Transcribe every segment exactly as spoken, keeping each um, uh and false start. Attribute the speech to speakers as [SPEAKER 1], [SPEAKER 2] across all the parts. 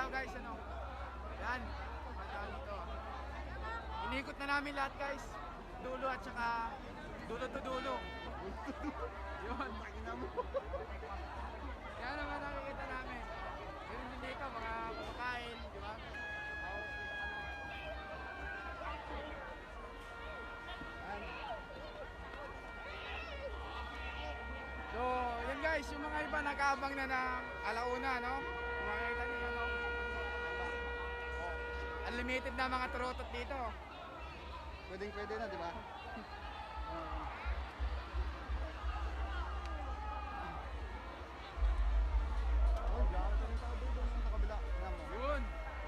[SPEAKER 1] guys, ano. Yan. Punta dito. Inikot na namin lahat guys. Dulo at saka dulo to dulo. Yun. Yan naman nakikita namin. Ganun din dito, mga kumakain, di ba? So, yan guys, yung mga iba nag-aabang na ng alauna, no? Kung makikita nyo yan, no? Unlimited na mga turotot dito.
[SPEAKER 2] Pwedeng pwede na, di ba? Oh, dami ka rin tao doon sa kabila. Alam mo.
[SPEAKER 1] Yun.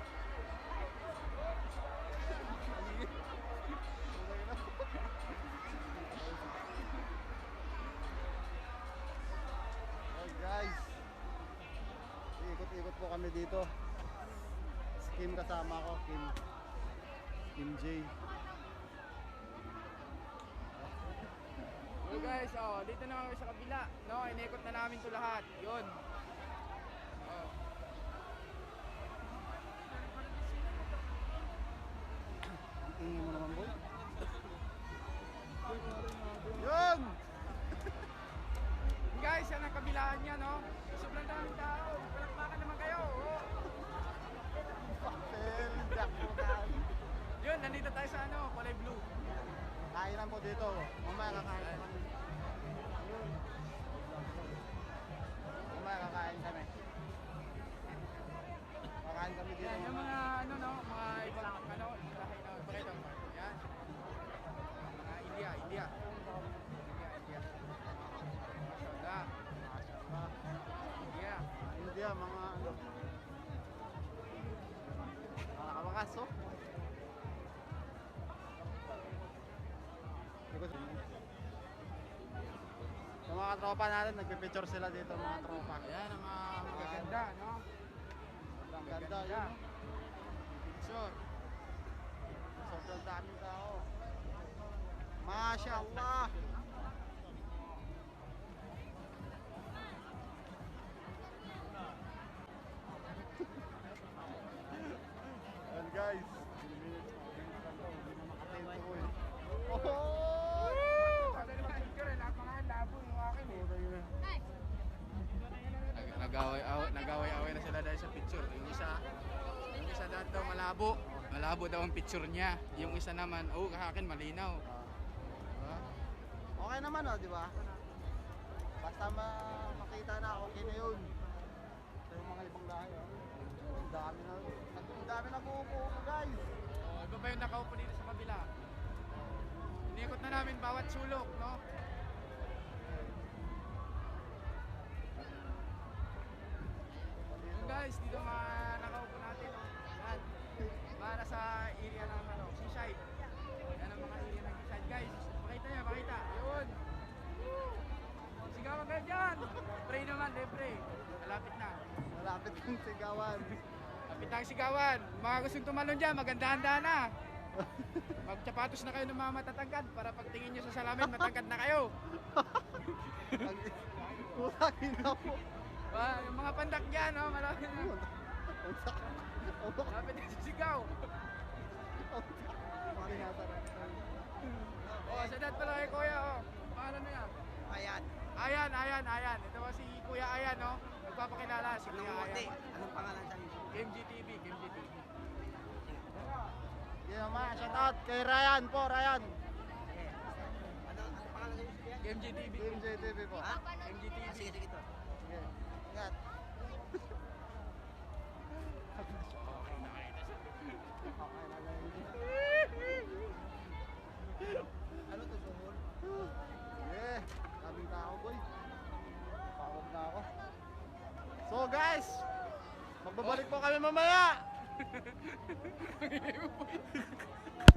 [SPEAKER 2] Oh guys, ikot-ikot po kami dito. Si Kim kasama ko, Kim Kim J.
[SPEAKER 1] So guys, oh, dito na kami sa kabila, no? Inikot na namin 'to lahat. 'Yun. Oh.
[SPEAKER 2] Ang tingin mo naman, boy. Yun!
[SPEAKER 1] Guys, yan ang kabilaan niya, no? Sobrang daming tao. Palakpakan naman kayo. Oh.
[SPEAKER 2] Papel, jackpotan.
[SPEAKER 1] Yun, nandito tayo sa ano, kulay blue.
[SPEAKER 2] Kainan po dito. Mamaya kakain kami. Mamaya kakain kami. Kakain kami dito.
[SPEAKER 1] Yan, yung mga ano, no? Mga ibang ano, lahi na. Pakita mo. Yan. Mga India, India. India, India. Mashallah.
[SPEAKER 2] Mashallah.
[SPEAKER 1] India.
[SPEAKER 2] India, mga ano. Mga nakabakas, oh. Yung mga tropa natin, nagpipicture sila dito, mga tropa.
[SPEAKER 1] Ayan, ang mga magaganda, no?
[SPEAKER 2] Ang ganda, yun. oh.
[SPEAKER 1] Sure.
[SPEAKER 2] Sobrang daming tao. Mashallah. Yan guys. Oh!
[SPEAKER 1] Kasi naman, picture eh, napaka-labo yung akin eh. Nag- Nag-away-away nag-away-away na sila dahil sa picture. Yung isa, yung isa daw malabo. Malabo daw ang picture niya. Yung isa naman, oh, kahakin malinaw. Diba?
[SPEAKER 2] Okay naman oh, di ba? Basta ma- makita na, okay na yun. Ito yung mga ibang lahi oh. Ang dami na, ang dami na buupo guys.
[SPEAKER 1] Oh, iba ba yung nakaupo dito sa kabila? Inikot na namin bawat sulok, no? Yun guys, dito mga nakaupo natin, no? Yan. Para sa area ng ano, seaside. Yan ang mga area ng seaside, guys. Pakita niya, pakita. Yun. Sigawan kayo dyan. Pray naman, de pray. Malapit na.
[SPEAKER 2] Malapit yung sigawan.
[SPEAKER 1] Malapit na ang sigawan. Mga gustong tumalon dyan, maganda-handa na. Magtsapatos na kayo ng mga matatangkad para pagtingin nyo sa salamin, matangkad na kayo.
[SPEAKER 2] Kusagin na po.
[SPEAKER 1] Ah, yung mga pandak dyan, oh, malapit na. Malapit na sa sigaw. Oh, sa dad pala kay Kuya, oh. Paano na yan?
[SPEAKER 2] Ayan.
[SPEAKER 1] Ayan, ayan, ayan. Ito po si Kuya Ayan, no? Nagpapakilala si Kuya Ayan.
[SPEAKER 2] Anong pangalan sa inyo?
[SPEAKER 1] Game G T V, Game G T V.
[SPEAKER 2] Yeah, ma, shout out kay Ryan po, Ryan.
[SPEAKER 3] Ano ang pangalan niyo siya?
[SPEAKER 1] Game G T V.
[SPEAKER 2] Game J T V po.
[SPEAKER 3] Ha?
[SPEAKER 1] Game G T V.
[SPEAKER 3] Sige, sige to.
[SPEAKER 2] Sige. Ingat. Okay na lang yun.
[SPEAKER 3] Ano to, sumul?
[SPEAKER 2] Yeah, daming tao boy. Pagod na ako. So guys, magbabalik po kami mamaya.